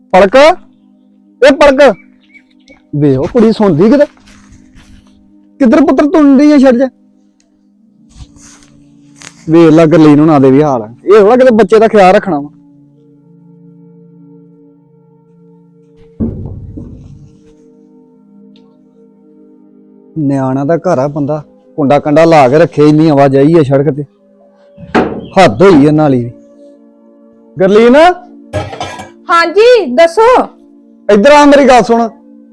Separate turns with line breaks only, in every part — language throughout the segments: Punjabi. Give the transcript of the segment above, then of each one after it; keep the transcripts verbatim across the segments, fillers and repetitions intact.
पलक ए पलक वे ओ कुड़ी सुनदी किते किधर पुत्र तुंडी है छड़ जा वे ला गरलीन हुणा दे भी हाल है ये थोड़ा किते बच्चे दा ख्याल रखना वा न्याणा दा घर आ बंदा कुंडा कंडा ला के रखे इन्नी आवाजाई है सड़क ते हद होई है नाली गरलीन
हाँ जी दसो
इधर आ मेरी गल सुन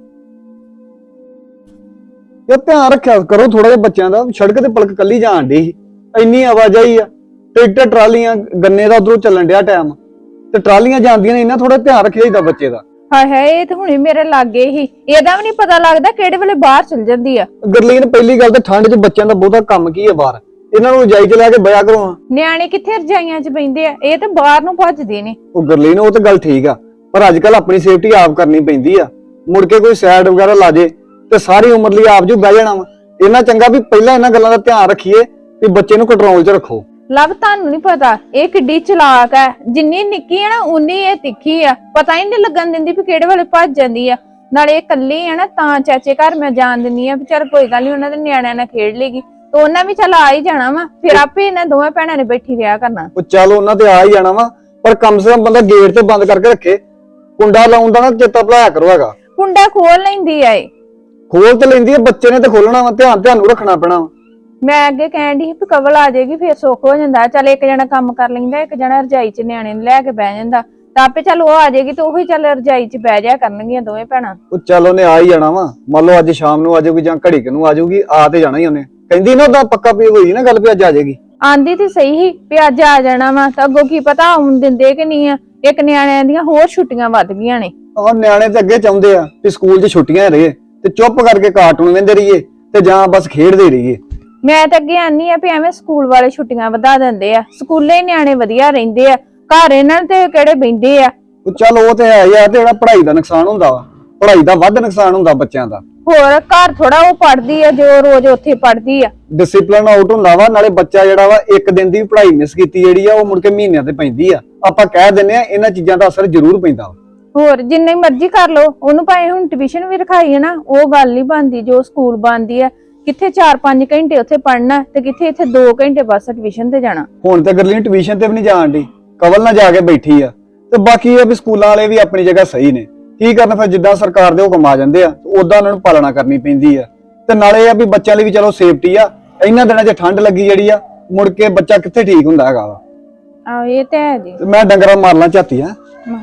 यार ध्यान रखा करो थोड़ा जिहा बच्चों का सड़क ते पलक कली जान डी इन्नी आवाजाही आ ट्रैक्टर ट्रालियां गन्ने का उधरों चलन दिया टाइम ते ट्रालियां जांदियां ने इन्ना थोड़ा ध्यान रखिया चाहिए बच्चे का
हाय हाय ये तो हुणे मेरे लागे ही एदा भी नहीं पता लगदा किहड़े वेले बाहर चल जांदी आ
गरलीन पहली गल ते ठंड च बच्चों का बहुता काम की है बाहर इन्हां नूं रजाई च लैके बया करो
ਨਿਆਣੇ ਕਿੱਥੇ ਰਜਾਈਆਂ ਚ ਬੈੰਦੇ ਆ ਇਹ ਤਾਂ ਬਾਹਰ ਨੂੰ ਭੱਜਦੇ ਨੇ
ਉਹ ਗਰਲੀਨ ਉਹ ਤਾਂ ਗੱਲ ਠੀਕ ਆ ਪਰ ਅੱਜ ਕੱਲ ਆਪਣੀ ਸੇਫਟੀ ਆਪ ਕਰਨੀ ਪੈਂਦੀ ਆ ਮੁੜ ਕੇ ਕੋਈ ਸਾਈਡ ਵਗੈਰਾ ਲਾ ਜੇ ਤੇ ਸਾਰੀ ਉਮਰ ਲਈ ਆਪ ਜੂ ਬਹਿ ਜਾਣਾ ਵਾ ਇਹਨਾਂ ਚੰਗਾ ਵੀ ਪਹਿਲਾਂ ਇਹਨਾਂ ਗੱਲਾਂ ਦਾ ਧਿਆਨ ਰੱਖੀਏ ਕਿ ਬੱਚੇ ਨੂੰ ਕੰਟਰੋਲ 'ਚ ਰੱਖੋ
ਲਵ ਤੁਹਾਨੂੰ ਨਹੀਂ ਪਤਾ ਇਹ ਕਿੱਡੀ ਚਲਾਕ ਹੈ ਜਿੰਨੀ ਨਿੱਕੀ ਹੈ ਨਾ ਉਨੀ ਇਹ ਤਿੱਖੀ ਆ ਪਤਾ ਹੀ ਨਹੀਂ ਲੱਗਣ ਦਿੰਦੀ ਵੀ ਕਿਹੜੇ ਵੇਲੇ ਭੱਜ ਜਾਂਦੀ ਆ ਨਾਲੇ ਇਹ ਕੱਲੀ ਹੈ ਨਾ ਤਾਂ ਚਾਚੇ ਘਰ ਮੈਂ ਜਾਣ ਦਿੰਨੀ ਆ ਵੀ ਚੱਲ ਕੋਈ ਗੱਲ ਨਹੀਂ ਉਹਨਾਂ ਦੇ ਨਿਆਣਿਆਂ ਨਾਲ ਖੇਡ ਲੇਗੀ तो ਉਹਨਾਂ ਵੀ ਚੱਲ ਆ ਹੀ ਜਾਣਾ ਵਾ ਫਿਰ ਆਪੇ ਇਹਨਾਂ ਦੋਵੇਂ ਭੈਣਾਂ ਨੇ ਬੈਠੀ ਰਿਹਾ ਕਰਨਾ
ਉਹ ਚੱਲ ਉਹਨਾਂ ਤੇ ਆ ਹੀ ਜਾਣਾ ਵਾ ਪਰ ਕਮ ਸੇ ਕਮ ਬੰਦਾ ਗੇਟ ਤੇ ਬੰਦ ਕਰਕੇ ਰੱਖੇ ਕੁੰਡਾ ਲਾਉਣ ਦਾ ਨਾ ਚੇਤਾ ਭੁਲਾਇਆ ਕਰੋ ਹੈਗਾ
ਕੁੰਡਾ ਖੋਲ ਲੈਂਦੀ ਆ ਇਹ
ਖੋਲ ਤੇ ਲੈਂਦੀ ਆ ਬੱਚੇ ਨੇ ਤੇ ਖੋਲਣਾ ਵਾ ਧਿਆਨ ਧਿਆਨ ਨੂੰ ਰੱਖਣਾ ਪੈਣਾ ਵਾ
ਮੈਂ ਅੱਗੇ ਕਹਿਣ ਦੀ ਵੀ ਕਵਲ ਆ ਜਾਏਗੀ ਫਿਰ ਸੁੱਖ ਹੋ ਜਾਂਦਾ ਚੱਲ ਇੱਕ ਜਣਾ ਕੰਮ ਕਰ ਲੈਂਦਾ ਇੱਕ ਜਣਾ ਰਜਾਈ 'ਚ ਨਿਆਣੇ ਨੂੰ ਲੈ ਕੇ ਬਹਿ ਜਾਂਦਾ ਤਾਂ ਆਪੇ ਚੱਲ ਉਹ ਆ ਜਾਏਗੀ ਤੇ ਉਹੀ ਚੱਲ ਰਜਾਈ 'ਚ ਬਹਿ ਜਾ ਕਰਨਗੀਆਂ ਦੋਵੇਂ ਭੈਣਾਂ
ਉਹ ਚੱਲ ਉਹਨੇ ਆ ਹੀ ਜਾਣਾ ਵਾ ਮੰਨ ਲਓ ਅੱਜ ਸ਼ਾਮ ਨੂੰ ਆ ਜਾਊਗੀ ਜਾਂ ਘੜੀ ਕਿ ਨੂੰ ਆ ਜਾਊਗੀ ਆ ਤੇ ਜਾਣਾ ਹੀ ਉਹਨੇ ਕਹਿੰਦੀ ਨਾ ਉਹਦਾ ਪੱਕਾ ਪੀ ਹੋਈ ਨਾ ਗੱਲ ਵੀ ਅੱਜ ਆ ਜਾਏਗੀ
ਆਂਦੀ ਤੇ ਸਹੀ ਹੀ ਵੀ ਅੱਜ ਆ ਜਾਣਾ ਵਾ ਤਾਂ ਅੱਗੋਂ ਕੀ ਪਤਾ ਆਉਣ ਦਿੰਦੇ ਕਿ ਨਹੀਂ ਆ ਇੱਕ ਨਿਆਣਿਆਂ ਦੀਆਂ ਹੋਰ ਛੁੱਟੀਆਂ ਵੱਧ ਗਈਆਂ ਨੇ
ਉਹ ਨਿਆਣੇ ਤੇ ਅੱਗੇ ਚਾਹੁੰਦੇ ਆ ਕਿ ਸਕੂਲ 'ਚ ਛੁੱਟੀਆਂ ਰਹੇ ਤੇ ਚੁੱਪ ਕਰਕੇ ਕਾਰਟੂਨ ਵੇਂਦੇ ਰਹੀਏ ਤੇ ਜਾਂ ਬਸ ਖੇਡਦੇ ਰਹੀਏ
ਮੈਂ ਤਾਂ ਅੱਗੇ ਆਨੀ ਆ ਵੀ ਐਵੇਂ ਸਕੂਲ ਵਾਲੇ ਛੁੱਟੀਆਂ ਵਧਾ ਦਿੰਦੇ ਆ ਸਕੂਲੇ ਨਿਆਣੇ ਵਧੀਆ ਰਹਿੰਦੇ ਆ ਘਰ ਇਹਨਾਂ ਤੇ ਕਿਹੜੇ ਬੈਂਦੇ ਆ
ਉਹ ਚੱਲ ਉਹ ਤੇ ਹੈ ਯਾਰ ਤੇ ਜਿਹੜਾ ਪੜ੍ਹਾਈ ਦਾ ਨੁਕਸਾਨ ਹੁੰਦਾ ਵਾ ਪੜ੍ਹਾਈ ਦਾ ਵੱਧ ਨੁਕਸਾਨ ਹੁੰਦਾ ਬੱਚਿਆਂ ਦਾ
ਹੋਰ ਘਰ ਥੋੜਾ ਉਹ ਪੜ੍ਹਦੀ ਆ ਜੋ ਰੋਜ਼ ਉੱਥੇ ਪੜ੍ਹਦੀ ਆ
ਡਿਸਪਲਿਨ ਆਊਟ ਹੁੰਦਾ ਵਾ ਨਾਲੇ ਬੱਚਾ ਜਿਹੜਾ ਵਾ ਇੱਕ ਦਿਨ ਦੀ ਪੜ੍ਹਾਈ ਮਿਸ ਕੀਤੀ ਜਿਹੜੀ ਆ ਉਹ ਮੁੜ ਕੇ ਮਹੀਨਿਆਂ ਤੇ ਪੈਂਦੀ ਆ ਆਪਾਂ ਕਹਿ ਦਿੰਨੇ ਆ ਇਹਨਾਂ ਚੀਜ਼ਾਂ ਦਾ ਅਸਰ ਜ਼ਰੂਰ ਪੈਂਦਾ ਵਾ
ਹੋਰ ਜਿੰਨੇ ਮਰਜ਼ੀ ਕਰ ਲੋ ਉਹਨੂੰ ਭਾਵੇਂ ਹੁਣ ਟਿਊਸ਼ਨ ਵੀ ਰਖਾਈ ਹੈ ਨਾ ਉਹ ਗੱਲ ਨਹੀਂ ਬਣਦੀ ਜੋ ਸਕੂਲ ਬਣਦੀ ਆ ਕਿੱਥੇ ਚਾਰ ਪੰਜ ਘੰਟੇ ਉੱਥੇ ਪੜ੍ਹਨਾ ਤੇ ਕਿੱਥੇ ਇੱਥੇ ਦੋ ਘੰਟੇ ਬਸ ਟਿਊਸ਼ਨ ਤੇ ਜਾਣਾ
ਹੁਣ ਤੇ ਗਰਲੀ ਟਿਊਸ਼ਨ ਤੇ ਵੀ ਨਹੀਂ ਜਾਣ ਦੀ ਕਵਲ ਨਾਲ ਜਾ ਕੇ ਬੈਠੀ ਆ ਤੇ ਬਾਕੀ ਇਹ ਵੀ ਸਕੂਲਾਂ ਵਾਲੇ ਵੀ ਆਪਣੀ ਜਗ੍ਹਾ ਸਹੀ ਨੇ ਕੀ ਕਰਨ ਫਿਰ ਜਿੱਦਾਂ ਸਰਕਾਰ ਦੇ ਹੁਕਮ ਆ ਜਾਂਦੇ ਆ ਉਦਾਂ ਉਹਨਾਂ ਨੂੰ ਪਾਲਣਾ ਕਰਨੀ ਪੈਂਦੀ ਆ ਤੇ ਨਾਲੇ ਇਹ ਆ ਵੀ ਬੱਚਿਆਂ ਲਈ ਵੀ ਚਲੋ ਸੇਫਟੀ ਆ ਇਹਨਾਂ ਦਿਨਾਂ 'ਚ ਠੰਡ ਲੱਗੀ ਜਿਹੜੀ ਆ ਮੁੜ ਕੇ ਬੱਚਾ ਕਿੱਥੇ ਠੀਕ ਹੁੰਦਾ ਹੈਗਾ ਵਾ
ਆ ਇਹ ਤੇ ਹੈ ਜੀ
ਤੇ ਮੈਂ ਡੰਗਰਾਂ ਮਾਰ ਲਾਂ ਝਾਤੀ ਆ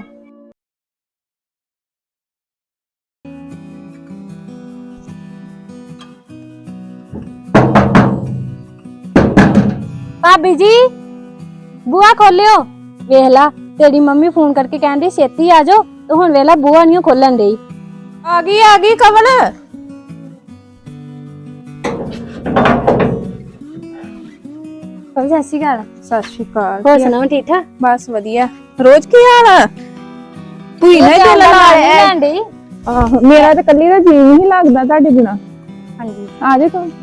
भाभी जी बुआ खोलियो वेख ला तेरी मम्मी फोन करके कहंदी छेती आ जाओ तो हुण वेला बुआ नहीं खोलन दई
आ गई आ गई कवल
सत श्री अकाल
सत श्री अकाल
हो सुनाओ ठीक ठाक
बस वधिया रोज की हाल है तू ही नहीं दिल ला
लैंदी
आहो मेरा तो कल्ली दा जी नहीं लगदा ਤੁਹਾਡੇ बिना
हां जी
आ जा तू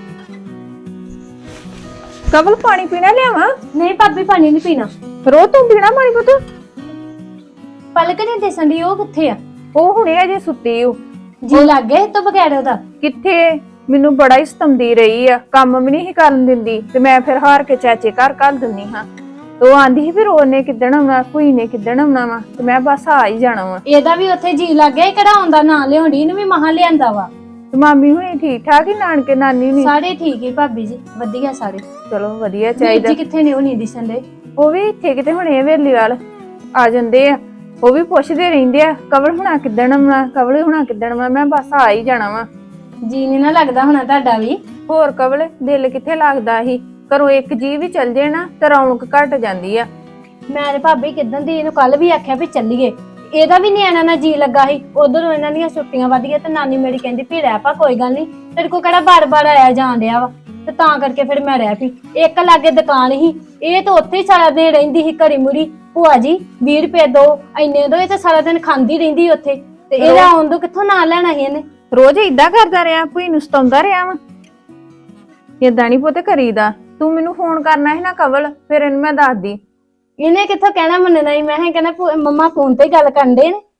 कवल पानी पीना लियावा
नहीं भाभी पानी नहीं पीना
रो तू पीना पानी पुੱਤ
पलक ने दिसन दी ओ किथे आ
ਉਹ ਹੁਣੇ ਅਜੇ ਸੁੱਤੀ ਓ
जी लग गए तो बगैर ओदा
ਕਿੱਥੇ ਮੈਨੂੰ ਬੜਾ ਹੀ ਸਤੰਦੀ ਰਹੀ ਆ ਕੰਮ ਵੀ ਨਹੀਂ ਕਰਨ ਦਿੰਦੀ ਤੇ ਮੈਂ ਫਿਰ ਹਾਰ ਕੇ ਚਾਚੇ ਘਰ ਘੱਲ ਦਿੰਨੀ ਹਾਂ ਤੇ ਉਹ ਆਂਦੀ ਸੀ ਫਿਰ ਉਹਨੇ ਕਿੱਦਣ ਆਉਣਾ ਕੋਈ ਨੇ ਕਿੱਦਣ ਆਉਣਾ ਵਾ ਤੇ ਮੈਂ ਬਸ ਆ ਹੀ ਜਾਣਾ ਵਾ
ਇਹਦਾ ਵੀ ਉੱਥੇ ਜੀ ਲੱਗ ਗਿਆ ਕਿਹੜਾ ਆਉਂਦਾ ਨਾ ਲਿਆਉਂਦੀ ਨੂੰ ਵੀ ਮਹਾ ਲਿਆਂਦਾ ਵਾ
ਤੇ ਮਾਮੀ ਹੁਣੀ ਠੀਕ ਠਾਕ ਹੀ ਨਾਨਕੇ ਨਾਨੀ ਨਹੀਂ
ਸਾਰੇ ਠੀਕ ਹੀ ਭਾਬੀ ਜੀ ਵਧੀਆ ਸਾਰੇ
ਚਲੋ ਵਧੀਆ
ਚਾਹੀਦਾ
ਚਾਹੀਦਾ
ਜੀ ਕਿੱਥੇ ਨੇ ਉਹ ਨਹੀਂ ਦਿਸਣ ਦੇ
ਉਹ ਵੀ ਇੱਥੇ ਕਿਤੇ ਹੁਣੇ ਵੇਲੀ ਵਾਲ ਆ ਜਾਂਦੇ ਆ ਉਹ ਵੀ ਪੁੱਛਦੇ ਰਹਿੰਦੇ ਆ ਕਵਲ ਹੁਣਾ ਕਿੱਦਣ ਆਉਣਾ ਕਵਲ ਹੁਣਾ ਕਿੱਦਣ ਆਉਣਾ ਮੈਂ ਬਸ ਆ ਹੀ ਜਾਣਾ ਵਾ
ਜੀ ਨਹੀਂ ਨਾ ਲੱਗਦਾ ਹੋਣਾ ਤੁਹਾਡਾ ਵੀ
ਹੋਰ ਕਵਲ ਦਿਲ ਕਿੱਥੇ ਲੱਗਦਾ ਸੀ ਘਰੋਂ ਇੱਕ ਜੀ ਵੀ ਚੱਲ ਜੇ ਨਾ ਤੇ ਰੌਣਕ ਘਟ ਜਾਂਦੀ ਆ
ਮੈਂ ਤੇ ਭਾਬੀ ਕਿਦਨ ਦੀ ਇਹਨੂੰ ਕੱਲ ਵੀ ਆਖਿਆ ਵੀ ਚੱਲੀਏ ਇਹਦਾ ਵੀ ਨਿਆਣਾ ਨਾ ਜੀ ਲੱਗਾ ਸੀ ਉਧਰੋਂ ਇਹਨਾਂ ਦੀਆਂ ਛੁੱਟੀਆਂ ਵਧ ਗਈਆਂ ਤੇ ਨਾਨੀ ਮੇਰੀ ਕਹਿੰਦੀ ਵੀ ਰਹਿ ਪਾ ਕੋਈ ਗੱਲ ਨਹੀਂ ਤੇਰੇ ਕੋ ਕਿਹੜਾ ਬਾਰ-ਬਾਰ ਆਇਆ ਜਾਣ ਡਿਆ ਵਾ ਤੇ ਤਾਂ ਕਰਕੇ ਫਿਰ ਮੈਂ ਰਹਿ ਪਈ ਇੱਕ ਲਾਗੇ ਦੁਕਾਨ ਸੀ ਇਹ ਤਾਂ ਉੱਥੇ ਹੀ ਸਾਰਾ ਦਿਨ ਰਹਿੰਦੀ ਸੀ ਘੜੀ ਮੁੜੀ ਭੂਆ ਜੀ ਵੀਹ ਰੁਪਏ ਦੋ ਇੰਨੇ ਦੋ ਇਹ ਤਾਂ ਸਾਰਾ ਦਿਨ ਖਾਂਦੀ ਰਹਿੰਦੀ ਉੱਥੇ ਤੇ ਇਹਦਾ ਆਉਣ ਤੋਂ ਕਿੱਥੋਂ ਨਾ ਲੈਣਾ ਸੀ ਇਹਨੇ
ਰੋਜ਼ ਇਦਾਂ ਕਰਦਾ ਰਿਹਾ ਭੂਈ ਨੂੰ ਸਤਾਉਂਦਾ ਰਿਹਾ ਵਾ ਇਦਾਂ ਨਹੀਂ ਪੁੱਤ ਕਰੀਦਾ ਤੂੰ ਮੈਨੂੰ ਫੋਨ ਕਰਨਾ ਸੀ ਨਾ ਕਵਲ ਫਿਰ ਇਹਨੂੰ ਮੈਂ ਦੱਸਦੀ
ਇਹਨੇ ਕਿੱਥੋਂ ਕਹਿਣਾ ਮੰਨਣਾ ਹੀ ਮੈਂ ਕਹਿੰਦਾ ਮੰਮਾ ਫੋਨ ਤੇ ਗੱਲ ਕਰਨ ਦੇ ਨੇ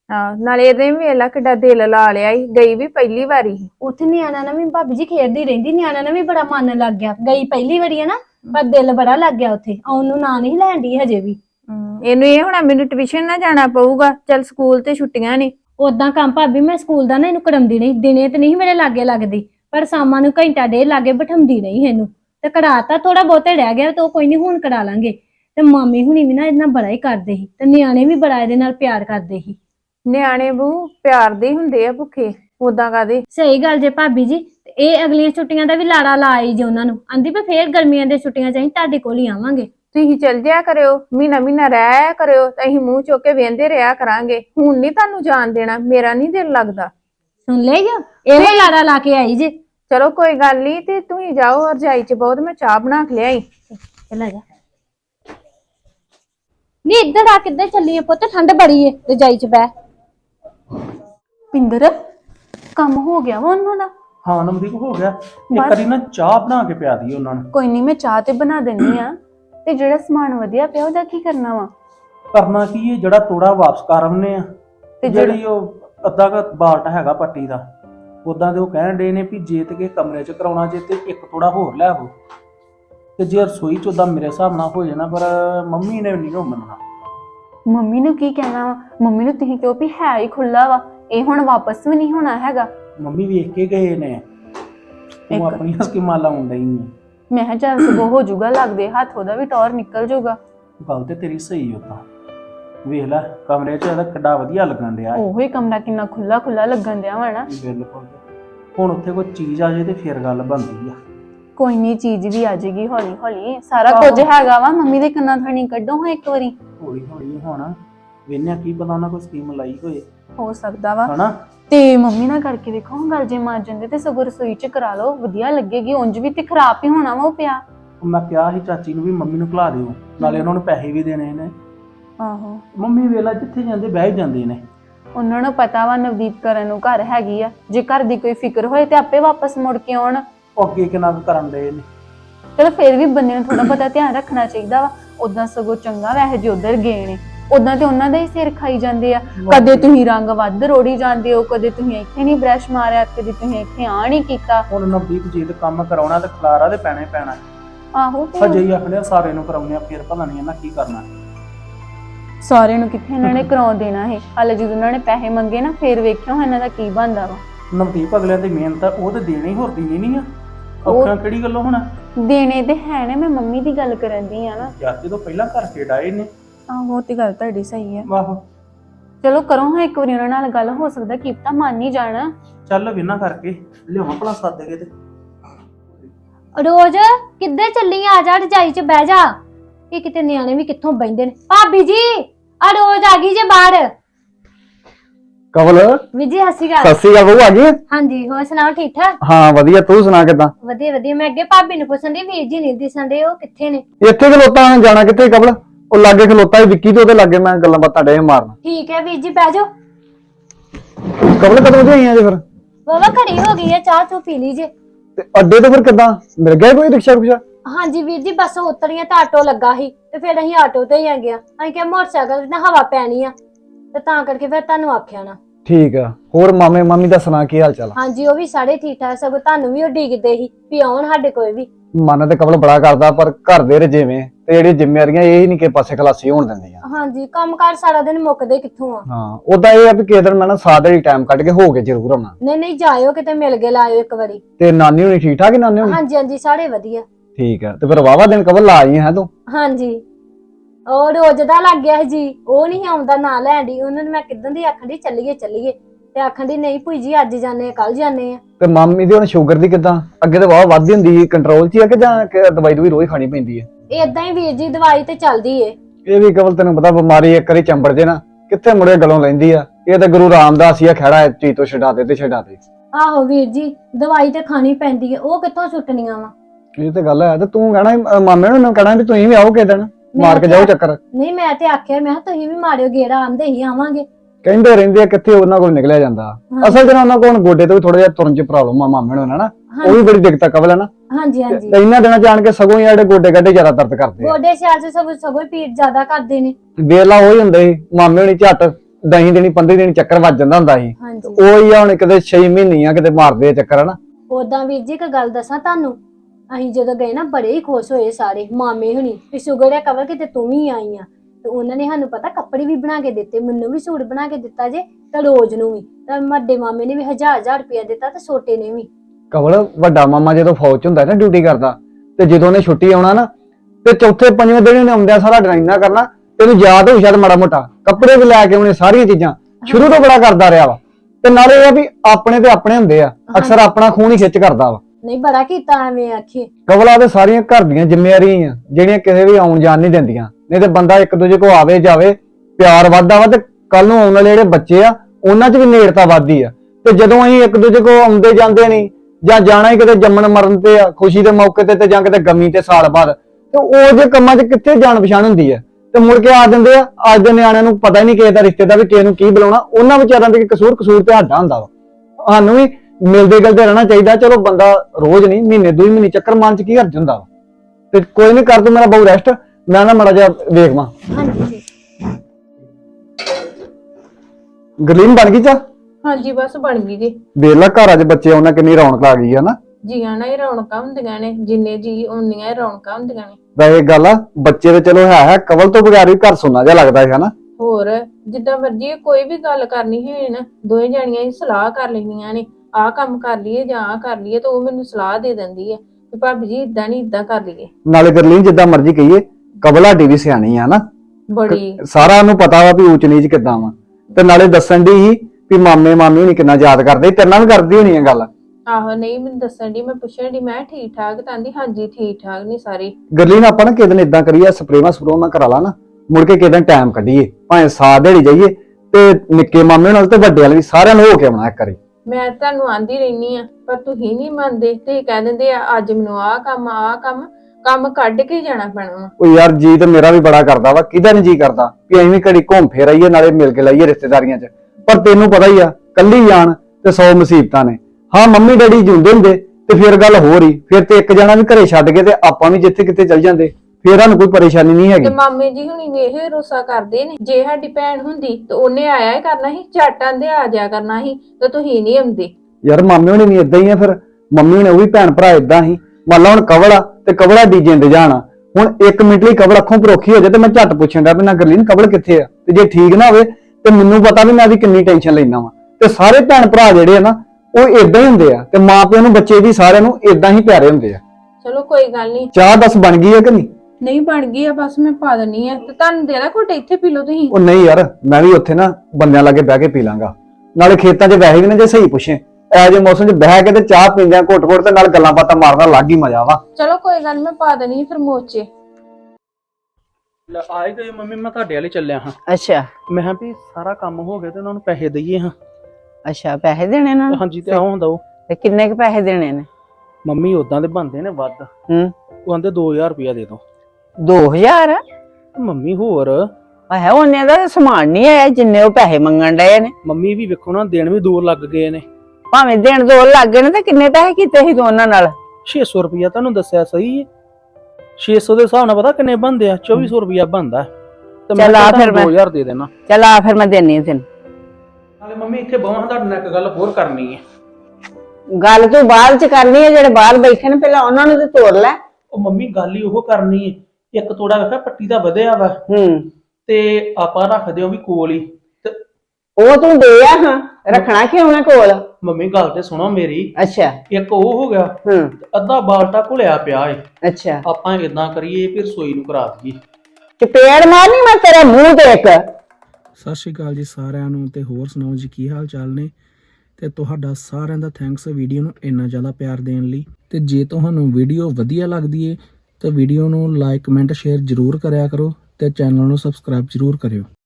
ਹਾਂ ਨਾਲੇ ਇਹਦੇ ਵੀ ਵੇਲਾ ਕਿੱਡਾ ਦਿਲ ਲਾ ਲਿਆ ਈ, ਗਈ ਵੀ ਪਹਿਲੀ ਵਾਰੀ ਸੀ।
ਉੱਥੇ ਨਿਆਣਾ ਨਾਲ ਵੀ ਭਾਬੀ ਜੀ ਖੇਡਦੀ ਰਹਿੰਦੀ, ਨਿਆਣਾ ਨਾਲ ਵੀ ਬੜਾ ਮਨ ਲੱਗ ਗਿਆ। ਗਈ ਪਹਿਲੀ ਵਾਰੀ ਹੈ ਨਾ, ਪਰ ਦਿਲ ਬੜਾ ਲੱਗ ਗਿਆ ਉੱਥੇ। ਆਉਣ ਨੂੰ ਨਾਂ ਨਹੀਂ ਲੈਣ ਦੀ ਹਜੇ ਵੀ।
ਹਮ, ਇਹਨੂੰ ਇਹ ਹੋਣਾ ਮੈਨੂੰ ਟਿਊਸ਼ਨ ਨਾ ਜਾਣਾ ਪਊਗਾ, ਚੱਲ ਸਕੂਲ ਤੇ ਛੁੱਟੀਆਂ ਨੇ।
ਉਦਾਂ ਕੰਮ ਭਾਬੀ ਮੈਂ ਸਕੂਲ ਦਾ ਨਾ ਇਹਨੂੰ ਕਰਾਉਂਦੀ ਨਹੀਂ, ਦਿਨੇ ਤੇ ਨਹੀਂ ਮੇਰੇ ਲਾਗੇ ਲੱਗਦੀ, ਪਰ ਸ਼ਾਮਾਂ ਨੂੰ ਘੰਟਾ ਡੇਢ ਲਾਗੇ ਬਿਠਾਉਂਦੀ ਨਹੀਂ ਇਹਨੂੰ। ਤੇ ਕਢਾਤਾ ਥੋੜਾ ਬਹੁਤੇ ਰਹਿ ਗਿਆ ਤੇ ਉਹ ਕੋਈ ਨਹੀਂ, ਹੁਣ ਕਢਾ ਲਾਂਗੇ। ਤੇ ਮਾਮੀ ਹੁਣੀ ਵੀ ਨਾ ਇਹਦੇ ਨਾਲ ਬੜਾ ਹੀ ਕਰਦੇ ਸੀ, ਤੇ ਨਿਆਣੇ ਵੀ ਬੜਾ ਇਹਦੇ ਨਾਲ ਪਿਆਰ ਕਰਦੇ ਸੀ।
ਨਿਆਣੇ ਬੂ ਪਿਆਰ ਦੇ ਹੁੰਦੇ ਆ, ਭੁੱਖੇ ਉਦਾਂ ਕਾਦੇ।
ਸਹੀ ਗੱਲ ਜੇ ਭਾਬੀ ਜੀ। ਤੇ ਇਹ ਅਗਲੀਆਂ ਛੁੱਟੀਆਂ ਦਾ ਵੀ ਲਾੜਾ ਲਾਈ ਜੇ ਉਹਨਾਂ ਨੂੰ, ਆਂਦੀ ਵੀ ਫੇਰ ਗਰਮੀਆਂ ਦੇ ਛੁੱਟੀਆਂ ਚ ਅਸੀਂ ਤੁਹਾਡੇ ਕੋਲ ਹੀ ਆਵਾਂਗੇ।
ਤੁਸੀਂ ਚੱਲ ਜਾਇਆ ਕਰਿਓ, ਮਹੀਨਾ ਮਹੀਨਾ ਰਹਿ ਆਇਆ ਕਰਿਓ, ਤੇ ਅਸੀਂ ਮੂੰਹ ਚੁੱਕ ਕੇ ਵੇਂਦੇ ਰਿਹਾ ਕਰਾਂਗੇ। ਹੁਣ ਨਹੀਂ ਤੁਹਾਨੂੰ ਜਾਣ ਦੇਣਾ, ਮੇਰਾ ਨਹੀਂ ਦਿਲ ਲੱਗਦਾ।
ਸੁਣ ਲੈ ਜੋ ਇਹੋ ਲਾੜਾ ਲਾ ਕੇ ਆਈ ਜੇ।
ਚਲੋ ਕੋਈ ਗੱਲ ਨਹੀਂ, ਤੇ ਤੁਸੀਂ ਜਾਓ ਰਜਾਈ ਚ ਬਹੁਤ, ਮੈਂ ਚਾਹ ਬਣਾ ਕੇ ਲਿਆਈ।
ਚੱਲ ਆ ਜਾ ਨੀ ਇੱਧਰ ਆ, ਕਿੱਧਰ ਚੱਲੀ ਏ ਪੁੱਤ? ਠੰਡ ਬੜੀ ਏ, ਰਜਾਈ ਚ ਬਹਿ।
ਪਿੰਦਰ ਕੰਮ ਹੋ ਗਿਆ ਵਾ ਉਹਨਾਂ ਦਾ?
ਹਾਂ ਨਮਦੀਪ ਹੋ ਗਿਆ। ਇੱਕ ਵਾਰੀ ਨਾ ਚਾਹ ਬਣਾ ਕੇ ਪਿਆ ਦੀ ਉਹਨਾਂ ਨੂੰ।
ਕੋਈ ਨਹੀਂ, ਮੈਂ ਚਾਹ ਤੇ ਬਣਾ ਦਿੰਨੀ ਆ। ਤੇ ਜਿਹੜਾ ਸਮਾਨ ਵਧੀਆ ਪਿਆ ਉਹਦਾ ਕੀ ਕਰਨਾ ਵਾ?
ਕਰਨਾ ਕੀ ਹੈ, ਜਿਹੜਾ ਤੋੜਾ ਵਾਪਸ ਕਰ ਆਉਨੇ ਆ। ਤੇ ਜਿਹੜੀ ਉਹ ਅੱਧਾ ਕ ਬਾਲਟ ਹੈਗਾ ਪੱਟੀ ਦਾ, ਉਦਾਂ ਦੇ ਉਹ ਕਹਿਣ ਡੇ ਨੇ ਵੀ ਜੇ ਤੇ ਕਿਸੇ ਕਮਰੇ 'ਚ ਕਰਾਉਣਾ ਜੇ ਤੇ ਇੱਕ ਤੋੜਾ ਹੋਰ ਲੈ ਆਵੋ। ਤੇ ਜੇ ਰਸੋਈ 'ਚ ਉਦਾਂ ਮੇਰੇ ਹਿਸਾਬ ਨਾਲ ਹੋ ਜਾਣਾ, ਪਰ ਮੰਮੀ ਨੇ ਨਹੀਂ ਉਹ ਮੰਨਣਾ।
ਮੰਮੀ ਨੂੰ ਕੀ ਕਹਿਣਾ ਵਾ? ਮੰਮੀ ਨੂੰ ਤੁਸੀਂ ਕਿਉਂ ਵੀ ਹੈ ਹੀ ਖੁੱਲਾ ਵਾ, ਇਹ ਹੁਣ ਵਾਪਸ ਵੀ ਨਹੀਂ ਹੋਣਾ ਹੈਗਾ।
ਮੰਮੀ ਵੇਖ ਕੇ ਗਏ ਨੇ, ਤੂੰ ਆਪਣੀਆਂ ਸਕੀਮਾਂ ਲਾਉਣ ਡਈ ਆਂ।
ਮੈਂ ਕਿਹਾ ਚੱਲ ਸਗੋਂ ਹੋ ਜਾਊਗਾ, ਲੱਗਦੇ ਹੱਥ ਉਹਦਾ ਵੀ ਟੌਰ ਨਿਕਲ ਜਾਊਗਾ।
ਗੱਲ ਤੇ ਤੇਰੀ ਸਹੀ ਉਦਾਂ। ਵੇਖ ਲੈ ਕਮਰੇ 'ਚ ਇਹਦਾ ਕਿੱਡਾ ਵਧੀਆ ਲੱਗਣ ਡਿਆ।
ਉਹੀ ਕਮਰਾ ਕਿੰਨਾ ਖੁੱਲਾ ਖੁੱਲਾ ਲੱਗਣ ਡਿਆ ਵਾ ਨਾ।
ਬਿਲਕੁਲ। ਹੁਣ ਉੱਥੇ ਕੋਈ ਚੀਜ਼ ਆ ਜੇ ਤੇ ਫਿਰ ਗੱਲ ਬਣਦੀ ਆ।
ਕੋਈ ਨਹੀਂ, ਚੀਜ਼ ਵੀ ਆ ਜਾਏਗੀ ਹੌਲੀ ਹੌਲੀ, ਸਾਰਾ ਕੁਝ ਹੈਗਾ ਵਾ। ਮੰਮੀ ਦੇ ਕੰਨਾਂ ਥਣੀ ਕੱਢੋ ਹਾਂ ਇੱਕ ਵਾਰੀ।
ਹੌਲੀ ਹੌਲੀ ਹੋਣਾ, ਵੇਖਿਆ ਕੀ ਪਤਾ ਉਹਨਾਂ ਕੋਈ ਸਕੀਮ ਲਾਈ ਹੋਏ,
ਹੋ ਸਕਦਾ ਵਾ।
ਹਨਾ?
ਤੇ ਮੰਮੀ ਨਾਲ ਕਰਕੇ ਵੇਖੋ, ਗੱਲ ਜੇ ਮਾਰ ਜਾਂਦੇ ਤੇ ਸਗੋਂ ਰਸੋਈ ਚ ਕਰਾ ਲਓ, ਵਧੀਆ ਲੱਗੇਗੀ। ਉਂਝ ਵੀ ਤੇ ਖਰਾਬ ਹੀ ਹੋਣਾ ਵਾ ਉਹ ਪਿਆ।
ਮੈਂ ਕਿਹਾ ਸੀ ਚਾਚੀ ਨੂੰ ਵੀ ਮੰਮੀ ਨੂੰ ਖਿਲਾ ਦਿਓ, ਨਾਲੇ ਉਹਨਾਂ ਨੂੰ ਪੈਸੇ ਵੀ ਦੇਣੇ ਨੇ।
ਆਹੋ,
ਮੰਮੀ ਵੇਲਾ ਜਿੱਥੇ ਜਾਂਦੇ ਬਹਿ ਜਾਂਦੇ ਨੇ।
ਉਹਨਾਂ ਨੂੰ ਪਤਾ ਵਾ ਨਵਦੀਪ ਕਰਨ ਨੂੰ ਘਰ ਹੈਗੀ ਆ, ਜੇ ਘਰ ਦੀ ਕੋਈ ਫਿਕਰ ਹੋਏ ਤੇ ਆਪੇ ਵਾਪਸ ਮੁੜ ਕੇ ਆਉਣ।
ਉਹ ਅੱਗੇ ਕਿੰਨਾ ਕੁ ਕਰਨ ਦੇ ਨੇ।
ਚਲੋ ਫਿਰ ਵੀ ਬੰਦੇ ਨੂੰ ਥੋੜਾ ਬਹੁਤਾ ਧਿਆਨ ਰੱਖਣਾ ਚਾਹੀਦਾ ਵਾ। ਉਦਾਂ ਸਗੋਂ ਚੰਗਾ ਵੈਸੇ ਜੇ ਉਧਰ ਗਏ ਨੇ, ਉਦਾਂ ਤੇ ਉਹਨਾਂ ਦਾ ਹੀ ਸਿਰ ਖਾਈ ਜਾਂਦੇ ਆ। ਕਦੇ ਤੁਸੀਂ ਰੰਗ ਵੱਧ ਰੋੜੀ ਜਾਂਦੇ ਹੋ, ਕਦੇ ਤੁਸੀਂ ਇੱਥੇ ਨਹੀਂ ਬ੍ਰਸ਼ ਮਾਰਿਆ, ਕਦੇ ਤੁਸੀਂ ਇੱਥੇ ਆ ਨਹੀਂ ਕੀਤਾ।
ਹੁਣ ਨਵਦੀਪ ਜੀ ਤੇ ਕੰਮ ਕਰਾਉਣਾ ਤੇ ਖਲਾਰਾ ਤੇ ਪੈਣਾ ਹੀ ਪੈਣਾ।
ਆਹੋ,
ਅਜੇ ਹੀ ਆਖਦੇ ਸਾਰੇ ਨੂੰ ਕਰਾਉਣੇ ਆ, ਫਿਰ ਪਤਾ ਨਹੀਂ ਇਹਨਾਂ ਕੀ ਕਰਨਾ।
ਸਾਰੇ ਨੂੰ ਕਿੱਥੇ ਇਹਨਾਂ ਨੇ ਕਰਾਉਣ ਦੇਣਾ ਹੈ। ਹਾਲੇ ਜਦੋਂ ਉਹਨਾਂ ਨੇ ਪੈਸੇ ਮੰਗੇ ਨਾ, ਫਿਰ ਵੇਖਿਓ ਇਹਨਾਂ ਦਾ ਕੀ ਬਣਦਾ ਵਾ।
ਨਵਦੀਪ ਅਗਲਿਆਂ ਦੀ ਮਿਹਨਤ ਆ, ਉਹ ਤੇ ਦੇਣੀ, ਹੋਰ ਦੇਣੀ ਨਹੀਂ ਆ। ਔਖਾ ਕਿਹੜੀ ਗੱਲੋਂ ਹੋਣਾ?
ਦੇਣੇ ਤੇ ਹੈ ਨੇ, ਮੈਂ ਮੰਮੀ ਦੀ ਗੱਲ ਕਰਨ ਦੀ ਆ ਨਾ।
ਯਾਰ ਜਦੋਂ ਪਹਿਲਾਂ ਘਰ ਕੇ ਡਾਏ ਨੇ।
ਆਹੋ, ਤੇ ਗੱਲ ਤੁਹਾਡੀ ਸਹੀ ਹੈ।
ਆਹੋ
ਚਲੋ ਕਰੋ ਹਾਂ ਇੱਕ ਵਾਰੀ ਉਹਨਾਂ ਨਾਲ ਗੱਲ, ਹੋ ਸਕਦਾ ਕੀ ਪਤਾ ਮੰਨ ਨਹੀਂ ਜਾਣਾ।
ਚੱਲ ਵਿਨਾ ਕਰਕੇ ਲਿਆਵਾਂ ਭਲਾ ਸੱਦ ਕੇ ਤੇ।
ਰੋਜ਼ ਕਿੱਧਰ ਚੱਲੀ ਆ? ਜਾ ਰਜਾਈ ਚ ਬਹਿ ਜਾ। ਇਹ ਕਿਤੇ ਨਿਆਣੇ ਵੀ ਕਿੱਥੋਂ ਬੈਂਦੇ ਨੇ। ਭਾਬੀ ਜੀ ਆ ਰੋਜ਼ ਆ ਗਈ ਜੇ ਬਾਹਰ।
ਕਵਲ
ਵੀਰ ਜੀ ਸਤਿ ਸ਼੍ਰੀ ਅਕਾਲ।
ਸਤਿ ਸ਼੍ਰੀ ਅਕਾਲ ਬਹੂ, ਆ ਗਈ ਹੈ?
ਹਾਂਜੀ ਹੋਰ ਸੁਣਾਓ, ਠੀਕ ਠਾਕ?
ਹਾਂ ਵਧੀਆ, ਤੂੰ ਸੁਣਾ ਕਿਦਾਂ?
ਵਧੀਆ ਵਧੀਆ। ਮੈਂ ਅੱਗੇ ਭਾਬੀ ਨੂੰ ਪੁੱਛਣ ਦੀ, ਵੀਰ ਜੀ ਨਹੀਂ ਦਿਸਣ ਦੇ, ਉਹ ਕਿੱਥੇ ਨੇ?
ਇੱਥੇ ਖਲੋਤਾ, ਜਾਣਾ ਕਿੱਥੇ ਕਵਲ? ਉਹ ਲਾਗੇ ਖਲੋਤਾ ਸੀ ਵਿੱਕੀ ਤੇ ਉਹਦੇ ਲਾਗੇ ਮੈਂ ਗੱਲਾਂ ਬਾਤਾਂ ਡੇ ਮਾਰਨ।
ਠੀਕ ਹੈ ਵੀਰ ਜੀ, ਬਹਿ ਜਾਓ।
ਕਵਲ ਕਦੋਂ ਦੀ ਆਈਆਂ ਜੇ ਫਿਰ?
ਬਾਬਾ ਘੜੀ ਹੋ ਗਈ ਹੈ, ਚਾਹ ਚੂ ਪੀ ਲਈ ਜੇ।
ਤੇ ਅੱਡੇ ਤੋਂ ਫਿਰ ਕਿੱਦਾਂ ਮਿਲ ਗਿਆ ਕੋਈ ਰਿਕਸ਼ਾ ਰੁਕਸ਼ਾ?
ਹਾਂਜੀ ਵੀਰ ਜੀ, ਬੱਸ ਉਤਰੀਆਂ ਤਾਂ ਆਟੋ ਲੱਗਾ ਸੀ, ਤੇ ਫਿਰ ਅਸੀਂ ਆਟੋ ਤੇ ਹੀ ਆ ਗਿਆ। ਅਸੀਂ ਕਿਹਾ ਮੋਟਰਸਾਈਕਲ ਤੇ ਨਾ ਹਵਾ ਪੈਣੀ ਆ, ਤੇ ਤਾਂ ਕਰਕੇ ਫਿਰ ਤੁਹਾਨੂੰ ਆਖਿਆ ਨਾ।
ਠੀਕ ਆ। ਹੋਰ ਮਾਮੇ ਮਾਮੀ ਦਾ ਸੁਣਾ, ਕੀ ਹਾਲ ਚਾਲ?
ਹਾਂਜੀ ਉਹ ਵੀ ਸਾਰੇ ਠੀਕ ਠਾਕ, ਸਗੋਂ ਤੁਹਾਨੂੰ ਵੀ ਉਹ ਡੀਕਦੇ ਸੀ ਵੀ ਆਉਣ ਸਾਡੇ ਕੋਈ ਵੀ।
ਮਨ ਤੇ ਕਵਲ ਬੜਾ ਕਰਦਾ, ਪਰ ਘਰ ਦੇ ਰਜੇਵੇਂ ਤੇ ਜਿਹੜੀ ਜ਼ਿੰਮੇਵਾਰੀਆਂ ਇਹ ਹੀ ਨਹੀਂ ਕਿ ਪਾਸੇ ਖਲਾਸੀ ਹੋਣ ਦਿੰਦੀਆਂ।
ਹਾਂਜੀ ਕੰਮਕਾਰ ਸਾਰਾ ਦਿਨ ਮੁੱਕਦੇ ਕਿੱਥੋਂ ਆ।
ਹਾਂ ਉਦਾਂ ਇਹ ਆ ਵੀ ਕਿਸੇ ਦਿਨ ਮੈਂ ਨਾ ਸਾਥ ਦੇ ਟਾਈਮ ਕੱਢ ਕੇ ਹੋ ਕੇ ਜ਼ਰੂਰ ਆਉਣਾ।
ਨਹੀਂ ਨਹੀਂ ਜਾਇਓ, ਕਿਤੇ ਮਿਲ ਕੇ ਲਾਇਓ ਇੱਕ ਵਾਰੀ।
ਤੇ ਨਾਨੀ ਹੁਣੀ ਠੀਕ ਠਾਕ? ਨਾਨੀ ਹੁਣੀ
ਹਾਂਜੀ ਹਾਂਜੀ ਸਾਰੇ ਵਧੀਆ।
ਠੀਕ ਆ। ਤੇ ਫਿਰ ਵਾਵਾ ਦਿਨ ਕਵਲ ਲਾ ਆਈ ਹੈ ਤੂੰ?
ਹਾਂਜੀ ਉਹ ਰੋਜ਼ ਦਾ ਲੱਗ ਗਿਆ ਜੀ, ਉਹ ਨਹੀਂ ਆਉਂਦਾ ਨਾ ਲੈਣ ਦੀ। ਉਹਨਾਂ ਨੂੰ ਮੈਂ ਕਿਦਾਂ ਦੀ ਆਖਣ ਦੀ ਚੱਲੀਏ ਚੱਲੀਏ, ਤੇ ਆਖਣ ਦੀ ਨਹੀਂ ਭੂਈ ਜੀ ਅੱਜ ਜਾਣੇ ਕੱਲ ਜਾਣੇ ਆ।
ਤੇ ਮਾਮੀ ਦੀ ਹੁਣ ਸ਼ੂਗਰ ਦੀ ਕਿਦਾਂ? ਅੱਗੇ ਤਾਂ ਵਾਹ ਵੱਧਦੀ ਹੁੰਦੀ, ਕੰਟਰੋਲ 'ਚ ਹੀ ਆ ਕਿ ਜਾਂ ਕਿ ਦਵਾਈ ਦਵਾਈ ਰੋਜ਼ ਖਾਣੀ ਪੈਂਦੀ ਹੈ?
ਏਦਾਂ ਹੀ ਵੀਰ ਜੀ, ਦਵਾਈ ਤੇ ਚੱਲਦੀ ਏ।
ਇਹ ਵੀ ਕਵਲ ਤੈਨੂੰ ਪਤਾ ਬਿਮਾਰੀ ਇੱਕ ਵਾਰੀ ਚੰਬੜ ਜੇ ਨਾ, ਕਿੱਥੇ ਮੁੜੇ ਗਲੋਂ ਲੈਂਦੀ ਆ। ਇਹ ਤਾਂ ਗੁਰੂ ਰਾਮਦਾਸ ਹੀ ਆ, ਖੜਾ ਚੀਜ਼ ਤੋਂ ਛਡਾ ਦੇ ਤੇ ਛਡਾ ਦੇ।
ਆਹੋ ਵੀਰ ਜੀ, ਦਵਾਈ ਤੇ ਖਾਣੀ ਪੈਂਦੀ ਏ, ਉਹ ਕਿੱਥੋਂ ਸੁੱਟਣੀਆਂ ਵਾ।
ਇਹ ਤੇ ਗੱਲ ਹੈ। ਤੇ ਤੂੰ ਕਹਿਣਾ ਸੀ, ਮਾਮੇ ਨੂੰ ਮੈਂ ਕਹਿਣਾ ਵੀ ਤੁਸੀਂ ਵੀ ਆਓ ਕਿਸੇ ਦਿਨ, ਮਾਰ ਕੇ ਜਾਓ ਚੱਕਰ।
ਨਹੀਂ ਮੈਂ ਤੇ ਆਖਿਆ, ਮੈਂ ਕਿਹਾ ਤੁਸੀਂ ਵੀ ਮਾਰਿਓ ਗੇੜਾ, ਆਂਦੇ ਹੀ ਆਵਾਂਗੇ।
ਕਹਿੰਦੇ ਰਹਿੰਦੇ ਆ ਕਿੱਥੇ ਉਹਨਾਂ ਕੋਲ ਨਿਕਲਿਆ ਜਾਂਦਾ। ਅਸਲ ਚ ਉਹਨਾਂ ਕੋਲ ਗੋਡੇ ਤੋਂ ਵੀ ਥੋੜਾ ਜਿਹਾ ਤੁਰਨ ਚ ਪ੍ਰੋਬਲਮ ਆ ਮਾਮੇ ਨੂੰ ਨਾ, ਉਹ ਵੀ ਬੜੀ ਦਿੱਕਤ ਕਵਲ ਹੈ ਨਾ।
ਹਾਂਜੀ ਹਾਂਜੀ
ਤੇ ਇਹਨਾਂ ਦਿਨਾਂ ਜਾਣ ਕੇ ਸਗੋਂ ਜਿਹੜੇ ਗੋਡੇ ਗੱਡੇ ਜ਼ਿਆਦਾ ਦਰਦ ਕਰਦੇ ਆ।
ਗੋਡੇ ਸਿਆਲ ਚ ਸਗੋਂ ਸਗੋਂ ਪੀੜ ਜ਼ਿਆਦਾ ਕਰਦੇ ਨੇ।
ਵੇਲਾ ਹੋ ਹੀ ਹੁੰਦਾ ਸੀ ਮਾਮੇ ਹੁਣੀ ਝੱਟ ਦਹੀਂ ਦੇਣੀ ਪੰਦਰੀ ਦਿਨ ਚੱਕਰ ਵੱਜ ਜਾਂਦਾ ਹੁੰਦਾ ਸੀ
ਹਾਂਜੀ
ਉਹ ਹੀ ਆ ਹੁਣ ਕਿਤੇ ਛੇ ਮਹੀਨੇ ਆ ਕਿਤੇ ਮਾਰਦੇ ਆ ਚੱਕਰ ਹਨਾ।
ਉਦਾਂ ਵੀਰ ਜੀ ਇੱਕ ਗੱਲ ਦੱਸਾਂ ਤੁਹਾਨੂੰ, ਅਸੀਂ ਜਦੋਂ ਗਏ ਨਾ ਬੜੇ ਹੀ ਖੁਸ਼ ਹੋਏ ਸਾਰੇ ਮਾਮੇ ਹੁਣੀ ਵੀ ਸ਼ੁਗਰ ਹੈ ਕਵਰ ਕਿਤੇ ਤੂੰ ਵੀ ਆਈ ਆ। ਤੇ ਉਹਨਾਂ ਨੇ ਸਾਨੂੰ ਪਤਾ ਕੱਪੜੇ ਵੀ ਬਣਾ ਕੇ ਦਿੱਤੇ, ਮੈਨੂੰ ਵੀ ਸੂਟ ਬਣਾ ਕੇ ਦਿੱਤਾ ਜੇ ਤੇ ਰੋਜ਼ ਨੂੰ ਵੀ, ਤੇ ਵੱਡੇ ਮਾਮੇ ਨੇ ਵੀ ਹਜ਼ਾਰ ਹਜ਼ਾਰ ਰੁਪਇਆ ਦਿੱਤਾ ਤੇ ਛੋਟੇ ਨੇ ਵੀ।
ਕਵਲ ਵੱਡਾ ਮਾਮਾ ਜਦੋਂ ਫੌਜ ਚ ਹੁੰਦਾ ਨਾ ਡਿਊਟੀ ਕਰਦਾ ਤੇ ਜਦੋਂ ਉਹਨੇ ਛੁੱਟੀ ਆਉਣਾ ਨਾ ਤੇ ਚੌਥੇ ਪੰਜਵੇਂ ਦਿਨ ਉਹਨੇ ਆਉਂਦਿਆਂ ਸਾਰਾ ਡਰਾਈਨਾ ਕਰਨਾ, ਤੈਨੂੰ ਯਾਦ ਹੋਊ ਸ਼ਾਇਦ ਮਾੜਾ ਮੋਟਾ ਕੱਪੜੇ ਵੀ ਲੈ ਕੇ ਆਉਣੇ, ਸਾਰੀਆਂ ਚੀਜ਼ਾਂ ਸ਼ੁਰੂ ਤੋਂ ਬੜਾ ਕਰਦਾ ਰਿਹਾ ਵਾ। ਤੇ ਨਾਲੇ ਇਹ ਆ ਵੀ ਆਪਣੇ ਤੇ ਆਪਣੇ ਹੁੰਦੇ ਆ, ਅਕਸਰ ਆਪਣਾ ਖੂਨ ਹੀ ਖਿੱਚ ਕਰਦਾ ਵਾ।
ਨਹੀਂ ਬੜਾ ਕੀਤਾ ਐਵੇਂ ਆਖੀ।
ਕਵਲਾ ਤੇ ਸਾਰੀਆਂ ਘਰ ਦੀਆਂ ਜ਼ਿੰਮੇਵਾਰੀਆਂ ਜਿਹੜੀਆਂ ਕਿਸੇ ਵੀ ਆਉਣ ਜਾਣ ਨਹੀਂ ਦਿੰਦੀਆਂ, ਨਹੀਂ ਤੇ ਬੰਦਾ ਇੱਕ ਦੂਜੇ ਕੋ ਆਵੇ ਜਾਵੇ, ਪਿਆਰ ਵੱਧਦਾ ਵਾ ਤੇ ਕੱਲ ਨੂੰ ਆਉਣ ਵਾਲੇ ਜਿਹੜੇ ਬੱਚੇ ਆ ਉਹਨਾਂ 'ਚ ਵੀ ਨੇੜਤਾ ਵੱਧਦੀ ਆ। ਤੇ ਜਦੋਂ ਅਸੀਂ ਇੱਕ ਦੂਜੇ ਕੋ ਆਉਂਦੇ ਜਾਂਦੇ ਨਹੀਂ ਜਾਂ ਜਾਣਾ ਹੀ ਕਿਤੇ ਜੰਮਣ ਮਰਨ ਤੇ ਆ, ਖੁਸ਼ੀ ਦੇ ਮੌਕੇ ਤੇ ਤੇ ਜਾਂ ਕਿਤੇ ਗਮੀ ਤੇ ਸਾਲ ਬਾਅਦ, ਤੇ ਉਹ ਜੇ ਕੰਮਾਂ 'ਚ ਕਿੱਥੇ ਜਾਣ ਪਛਾਣ ਹੁੰਦੀ ਆ। ਤੇ ਮੁੜ ਕੇ ਆ ਦਿੰਦੇ ਆ, ਅੱਜ ਦੇ ਨਿਆਣਿਆਂ ਨੂੰ ਪਤਾ ਹੀ ਨਹੀਂ ਕਿਸੇ ਦਾ ਰਿਸ਼ਤੇ ਦਾ ਵੀ ਕਿਸੇ ਨੂੰ ਕੀ ਬੁਲਾਉਣਾ, ਉਹਨਾਂ ਵਿਚਾਰਾਂ ਦੇ ਕਸੂਰ ਕਸੂਰ ਤੇ ਸਾਡਾ ਹੁੰਦਾ ਵਾ। ਸਾਨੂੰ ਵੀ ਮਿਲਦੇ ਗਿਲਦੇ ਰਹਿਣਾ ਚਾਹੀਦਾ। ਚਲੋ ਬੰਦਾ ਰੋਜ਼ ਨਹੀਂ ਮਹੀਨੇ ਦੋ ਮਹੀਨੇ ਚੱਕਰ ਮਾਰਨ 'ਚ ਕੀ ਹਰਜ ਹੁੰਦਾ ਵਾ। ਤੇ ਕੋਈ ਨਹੀਂ, ਕਰ ਤੂੰ ਮੇਰਾ ਬਹੁ ਰੈਸਟ, ਮੈਂ ਨਾ ਮਾੜਾ ਜਿਹਾ ਵੇਖਵਾਂ।
ਹਾਂਜੀ
ਗਰਲੀਨ ਬਣ ਗਈ ਚਾ?
ਹਾਂਜੀ ਬਸ ਬਣ ਗਈ ਜੀ।
ਵੇਲਾ ਘਰ ਅੱਜ ਬੱਚੇ ਆਉਣਾ ਕਿੰਨੀ ਰੌਣਕ ਆ ਗਈ ਆ ਨਾ।
ਜੀਆਂ ਨਾਲ ਹੀ ਰੌਣਕਾਂ ਹੁੰਦੀਆਂ ਨੇ, ਜਿੰਨੇ ਜੀ ਉਨੀਆਂ ਹੀ ਰੌਣਕਾਂ ਹੁੰਦੀਆਂ ਨੇ।
ਵੈਸੇ ਗੱਲ ਆ, ਬੱਚੇ ਤੇ ਚਲੋ ਹੈ ਹੈ, ਕਵਲ ਤੋਂ ਬਗੈਰ ਵੀ ਘਰ ਸੁਣਨਾ ਜਿਹਾ ਲੱਗਦਾ ਹੈ ਹਨਾ।
ਹੋਰ ਜਿੱਦਾਂ ਮਰਜੀ ਕੋਈ ਵੀ ਗੱਲ ਕਰਨੀ ਹੋਏ ਨਾ, ਦੋਵੇਂ ਜਾਣੀਆਂ ਹੀ ਸਲਾਹ ਕਰ ਲੈਂਦੀਆਂ ਨੇ, ਆਹ ਕੰਮ ਕਰ ਲਈਏ ਜਾਂ ਆਹ ਕਰ ਲਈਏ, ਤਾਂ ਉਹ ਮੈਨੂੰ ਸਲਾਹ ਦੇ ਦਿੰਦੀ ਹੈ ਵੀ ਭਾਬੀ ਜੀ ਇਦਾਂ ਨਹੀਂ ਇਦਾਂ ਕਰ ਲਈਏ।
ਨਾਲੇ ਗਰਲੀਨ ਜਿੱਦਾਂ ਮਰਜ਼ੀ ਕਹੀਏ, ਕਵਲ ਸਾਡੀ ਵੀ ਸਿਆਣੀ ਆ ਨਾ,
ਬੜੀ
ਸਾਰਾ ਉਹਨੂੰ ਪਤਾ ਵਾ ਵੀ ਊਚ ਨੀਚ ਕਿੱਦਾਂ ਵਾ। ਤੇ ਨਾਲੇ ਦੱਸਣ ਦੀ ਹੀ ਵੀ ਮਾਮੇ ਮਾਮੀ ਹੁਣੀ ਕਿੰਨਾ ਯਾਦ ਕਰਦੇ, ਤੇਰੇ ਨਾਲ ਵੀ ਕਰਦੀ ਹੋਣੀ ਆ ਗੱਲ।
ਆਹੋ ਨਹੀਂ ਮੈਨੂੰ ਦੱਸਣ ਦੀ, ਮੈਂ ਪੁੱਛਣ ਦੀ, ਮੈਂ ਠੀਕ ਠਾਕ ਤਾਂ ਆਂਦੀ ਹਾਂਜੀ ਠੀਕ ਠਾਕ ਨਹੀਂ ਸਾਰੇ।
ਗਰਲੀਨ ਆਪਾਂ ਨਾ ਕਿਸੇ ਦਿਨ ਇਦਾਂ ਕਰੀਏ, ਸਪਰੇਵਾਂ ਸਪਰੋਵਾਂ ਕਰਾ ਲਾ ਨਾ, ਮੁੜ ਕੇ ਕਿਸੇ ਦਿਨ ਟਾਈਮ ਕੱਢੀਏ, ਭਾਵੇਂ ਸਾਹ ਦਿਹਾੜੀ ਜਾਈਏ ਤੇ ਨਿੱਕੇ ਮਾਮੇ ਨਾਲ ਤੇ ਵੱਡੇ ਵਾਲੇ ਵੀ ਸਾਰਿਆਂ ਨੂੰ ਹੋ ਕੇ ਆਉਣਾ ਇੱਕ ਵਾਰੀ।
ਮੈਂ ਤੁਹਾਨੂੰ ਆਂਦੀ ਰਹਿਨੀ ਆ, ਪਰ ਤੁਸੀਂ ਨਹੀਂ ਮੰਨਦੇ ਤੇ ਕਹਿ ਦਿੰਦੇ ਆ ਅੱਜ ਮੈਨੂੰ ਆਹ ਕੰਮ ਆਹ ਕੰਮ ਕੰਮ ਕੱਢ ਕੇ ਜਾਣਾ ਪੈਣਾ ਵਾ।
ਉਹ ਯਾਰ ਜੀ ਤੇ ਮੇਰਾ ਵੀ ਬੜਾ ਕਰਦਾ ਵਾ, ਕਿਹਦਾ ਨੀ ਜੀ ਕਰਦਾ ਵੀ ਐਵੇਂ ਘੜੀ ਘੁੰਮ ਫੇਰ ਆਈਏ, ਨਾਲੇ ਮਿਲ ਕੇ ਲਾਈਏ ਰਿਸ਼ਤੇਦਾਰੀਆਂ 'ਚ। ਪਰ ਤੈਨੂੰ ਪਤਾ ਹੀ ਆ, ਕੱਲੀ ਜਾਣ ਤੇ ਸੌ ਮੁਸੀਬਤਾਂ ਨੇ। ਹਾਂ ਮੰਮੀ ਡੈਡੀ ਜਿਉਂਦੇ ਹੁੰਦੇ ਤੇ ਫਿਰ ਗੱਲ ਹੋ ਰਹੀ, ਫਿਰ ਤੇ ਇੱਕ ਜਣਾ ਵੀ ਘਰੇ ਛੱਡ ਕੇ ਤੇ ਆਪਾਂ ਵੀ ਜਿੱਥੇ ਕਿਤੇ ਚੱਲ ਜਾਂਦੇ, ਫਿਰ ਸਾਨੂੰ ਕੋਈ ਪਰੇਸ਼ਾਨੀ ਨਹੀਂ ਹੈਗੀ।
ਤੇ ਮਾਮੇ ਜੀ ਹੁਣੀ ਨੇ ਇਹ ਰੋਸਾ ਕਰਦੇ ਨੇ, ਜੇ ਸਾਡੀ ਭੈਣ ਹੁੰਦੀ ਤੇ ਉਹਨੇ ਆਇਆ ਹੀ ਕਰਨਾ ਸੀ, ਝਾਟਾਂ ਦੇ ਆ ਜਾਇਆ ਕਰਨਾ ਸੀ, ਤੇ ਤੁਸੀਂ ਨਹੀਂ ਆਉਂਦੇ।
ਯਾਰ ਮਾਮੇ ਹੋਣੀ ਵੀ ਇਦਾਂ ਹੀ ਆ, ਫਿਰ ਮੰਮੀ ਨੇ ਉਹ ਵੀ ਭੈਣ ਭਰਾ ਇਦਾਂ ਹੀ। ਮੰਨ ਲਾ ਹੁਣ ਕਵਲ ਆ ਤੇ ਕਵਲਾ ਡੀ ਜਿੰਦ ਜਾਣਾ, ਹੁਣ ਇੱਕ ਮਿੰਟ ਲਈ ਕਵਲ ਅੱਖੋਂ ਪਰੋਖੀ ਹੋ ਜਾਏ ਤੇ ਮੈਂ ਝੱਟ ਪੁੱਛਣ ਦਾ ਵੀ ਨਾ ਗਰਲੀਨ ਕਵਲ ਕਿੱਥੇ ਆ, ਤੇ ਜੇ ਠੀਕ ਨਾ ਹੋਵੇ ਤੇ ਮੈਨੂੰ ਪਤਾ ਵੀ ਮੈਂ ਵੀ ਕਿੰਨੀ ਟੈਨਸ਼ਨ ਲੈਣਾ ਵਾ। ਤੇ ਸਾਰੇ ਭੈਣ ਭਰਾ ਜਿਹੜੇ ਆ ਨਾ ਉਹ ਇਦਾਂ ਹੀ ਹੁੰਦੇ ਆ, ਤੇ ਮਾਂ ਪਿਓ ਨੂੰ ਬੱਚੇ ਵੀ ਸਾਰਿਆਂ ਨੂੰ ਇਦਾਂ ਹੀ ਪਿਆਰੇ ਹੁੰਦੇ ਆ।
ਚਲੋ ਕੋਈ ਗੱਲ ਨਹੀਂ।
ਚਾਹ ਦੱਸ ਬਣ ਗਈ ਹੈ ਕਿ ਨਹੀਂ?
ਨਹੀਂ ਬਣ ਗਈ ਆ, ਬਸ ਮੈਂ ਪਾ ਦਨੀ ਆ, ਤੇ ਤੁਹਾਨੂੰ ਦੇ ਦਾਂ ਘੁੱਟ, ਇੱਥੇ ਪੀ ਲਓ ਤੁਸੀਂ।
ਉਹ ਨਹੀਂ ਯਾਰ, ਮੈਂ ਵੀ ਉੱਥੇ ਨਾ ਬੰਦਿਆਂ ਲਾਗੇ ਬਹਿ ਕੇ ਪੀ ਲਾਂਗਾ, ਨਾਲੇ ਖੇਤਾਂ 'ਚ ਵੈਸੇ ਵੀ ਨਾ ਜੇ ਸਹੀ ਪੁੱਛੇ ਐ ਜੇ ਮੌਸਮ 'ਚ ਬਹਿ ਕੇ ਤੇ ਚਾਹ ਪੀਂਦਿਆਂ ਘੁੱਟ ਘੁੱਟ ਤੇ ਨਾਲ ਗੱਲਾਂ ਬਾਤਾਂ ਮਾਰਨਾ ਲੱਗ ਹੀ ਮਜ਼ਾ ਵਾ।
ਚਲੋ ਕੋਈ ਗੱਲ ਨੀ, ਮੈਂ ਪਾ ਦਨੀ ਫਿਰ ਮੋਚੇ।
ਲੈ ਆਏ ਗਏ ਮੰਮੀ, ਮੈਂ ਤੁਹਾਡੇ ਵਾਲੇ ਚੱਲਿਆ ਹਾਂ।
ਅੱਛਾ
ਮੈਂ ਕਿਹਾ ਵੀ ਸਾਰਾ ਕੰਮ ਹੋ ਗਿਆ ਤੇ ਉਹਨਾਂ ਨੂੰ ਪੈਸੇ ਦਈਏ ਹਾਂ।
ਅੱਛਾ ਪੈਸੇ ਦੇਣੇ ਇਹਨਾਂ ਨੂੰ?
ਹਾਂਜੀ ਤੇ ਆਓ ਹੁੰਦਾ ਉਹ
ਤੇ ਕਿੰਨੇ ਕੁ ਪੈਸੇ ਦੇਣੇ ਨੇ?
ਮੰਮੀ ਉਦਾਂ ਦੇ ਬੰਦੇ ਨੇ ਵੱਧ,
ਹੂੰ
ਉਹ ਕਹਿੰਦੇ ਦੋ ਹਜ਼ਾਰ ਰੁਪਇਆ ਦੇ ਦੋ।
ਦੋ ਹਜ਼ਾਰ?
ਮੰਮੀ ਹੋਰ
ਆਹ ਉਹਨੇ ਦਾ ਸਮਾਨ ਨਹੀਂ ਆਇਆ ਜਿੰਨੇ ਉਹ ਪੈਸੇ ਮੰਗਣ ਡਏ ਨੇ।
ਮੰਮੀ ਵੀ ਵੇਖੋ ਨਾ, ਦਿਨ ਵੀ ਦੋ ਲੱਗ ਗਏ ਨੇ।
ਭਾਵੇਂ ਦਿਨ ਦੋ ਲੱਗ ਗਏ ਨੇ, ਤੇ ਕਿੰਨੇ ਪੈਸੇ ਕੀਤੇ ਸੀ ਤੂੰ ਉਹਨਾਂ ਨਾਲ?
ਛੇ ਸੌ ਰੁਪਇਆ ਤੁਹਾਨੂੰ ਦੱਸਿਆ ਸਹੀ ਹੈ। ਛੇ ਸੌ ਦੇ ਹਿਸਾਬ ਨਾਲ ਪਤਾ ਕਿੰਨੇ ਬਣਦੇ ਆ? ਚੌਵੀ ਸੌ ਰੁਪਇਆ ਬਣਦਾ। ਤੇ
ਚੱਲ ਆ ਫਿਰ ਮੈਂ
ਦੋ ਹਜ਼ਾਰ ਦੇ ਦੇਣਾ।
ਚੱਲ ਆ ਫਿਰ ਮੈਂ ਦੇਣੀ ਆ ਤੈਨੂੰ।
ਨਾਲੇ ਮੰਮੀ ਇੱਥੇ ਬਾਹਾਂ ਤੁਹਾਡੇ ਨਾਲ ਇੱਕ ਗੱਲ ਹੋਰ ਕਰਨੀ ਹੈ।
ਗੱਲ ਤੂੰ ਬਾਅਦ ਚ ਕਰਨੀ ਹੈ, ਜਿਹੜੇ ਬਾਹਰ ਬੈਠੇ ਨੇ ਪਹਿਲਾਂ ਉਹਨਾਂ ਨੂੰ ਤੇ ਤੋੜ ਲੈ।
ਉਹ ਮੰਮੀ ਗੱਲ ਹੀ ਉਹ ਕਰਨੀ ਹੈ, ਇੱਕ ਤੋੜਾ ਵੇਖਿਆ ਪੱਟੀ ਦਾ ਵਧਿਆ ਵਾ,
ਹੂੰ
ਤੇ ਆਪਾਂ ਰੱਖਦੇ ਹਾਂ ਵੀ ਕੋਲ ਹੀ। ਤੇ
ਉਹ ਤੂੰ ਦੇ ਆ ਹਾਂ, ਰੱਖਣਾ ਕਿਉਂ ਹੈ ਕੋਲ?
ਮੰਮੀ ਗੱਲ ਤੇ ਸੁਣੋ ਮੇਰੀ,
ਅੱਛਾ
ਇੱਕ ਉਹ ਹੋ ਗਿਆ,
ਹੂੰ
ਤੇ ਅੱਧਾ ਬਾਲਟਾ ਘੁਲਿਆ ਪਿਆ ਏ।
ਅੱਛਾ
ਆਪਾਂ ਇਦਾਂ ਕਰੀਏ ਫਿਰ ਰਸੋਈ ਨੂੰ ਕਰਾ ਦਈਏ।
ਚਪੇੜ ਮਾਰਨੀ ਮੈਂ ਤੇਰੇ ਮੂੰਹ ਤੇ ਇੱਕ।
ਸਤਿ ਸ਼੍ਰੀ ਅਕਾਲ ਜੀ ਸਾਰਿਆਂ ਨੂੰ, ਤੇ ਹੋਰ ਸੁਣਾਓ ਜੀ ਕੀ ਹਾਲ ਚਾਲ ਨੇ? ਤੇ ਤੁਹਾਡਾ ਸਾਰਿਆਂ ਦਾ ਥੈਂਕਸ ਵੀਡੀਓ ਨੂੰ ਇੰਨਾ ਜ਼ਿਆਦਾ ਪਿਆਰ ਦੇਣ ਲਈ। ਤੇ ਜੇ ਤੁਹਾਨੂੰ ਵੀਡੀਓ ਵਧੀਆ ਲੱਗਦੀ ਏ ਤਾਂ ਵੀਡੀਓ ਨੂੰ ਲਾਈਕ ਕਮੈਂਟ ਸ਼ੇਅਰ ਜ਼ਰੂਰ ਕਰਿਆ ਕਰੋ, ਤੇ ਚੈਨਲ ਨੂੰ ਸਬਸਕ੍ਰਾਈਬ ਜ਼ਰੂਰ ਕਰਿਓ।